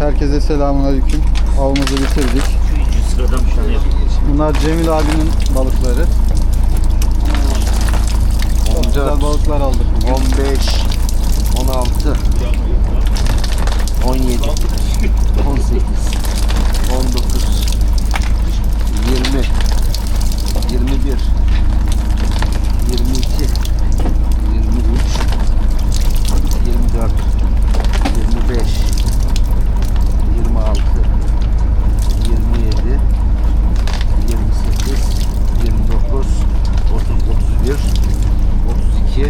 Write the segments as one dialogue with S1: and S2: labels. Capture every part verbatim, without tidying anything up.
S1: Herkese selamünaleyküm. Avımızı bitirdik.
S2: Üçüncü sıradan bir tane yapayım.
S1: Bunlar Cemil abinin balıkları. Çok güzel balıklar aldık.
S3: on beş, on altı, on yedi, on sekiz, on dokuz, yirmi, yirmi bir, yirmi iki, yirmi üç, yirmi dört, yirmi beş, yirmi altı, yirmi yedi, yirmi sekiz, yirmi dokuz, otuz, otuz bir, otuz iki,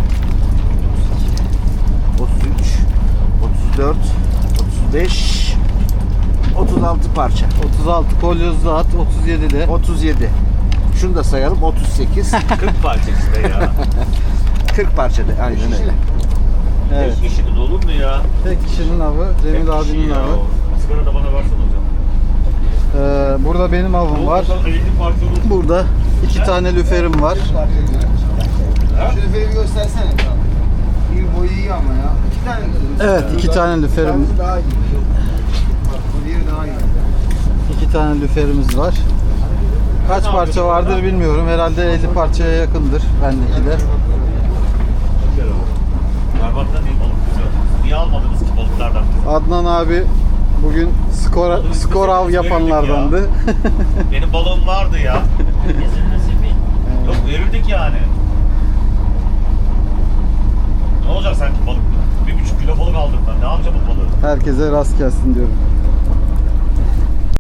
S3: otuz üç, otuz dört, otuz beş, otuz altı parça.
S1: otuz altı kolyozlu at, otuz yedi de.
S3: otuz yedi. Şunu da sayalım. otuz sekiz.
S2: kırk parça işte ya.
S3: kırk parçada. Aynen öyle.
S1: Evet.
S2: Tek kişinin olur mu ya?
S1: Tek kişinin avı, Cemil
S2: Tek kişi
S1: abinin
S2: ya.
S1: avı.
S2: Sigara da bana versene hocam.
S1: Ee, burada benim avım var.
S2: elli parça olur.
S1: Burada iki tane lüferim var.
S4: Şu lüferi göstersene. İyi boyu iyi ama ya. İki tane mi?
S1: Evet, iki tane lüferim,
S4: Yalnız daha iyi. Bak bu diğeri daha iyi.
S1: iki tane lüferimiz var. Kaç parça vardır bilmiyorum. Herhalde elli parçaya yakındır bendekiler.
S2: Berbat'tan değil balık güzel. Niye almadınız ki balıklardan?
S1: Adnan abi bugün skor skor av yapanlardandı.
S2: Benim balığım vardı ya. Yok verirdik yani. Ne olacak sanki balık? Bir buçuk kilo balık aldım ben. Ne yapacağım bu balığı?
S1: Herkese rast gelsin diyorum.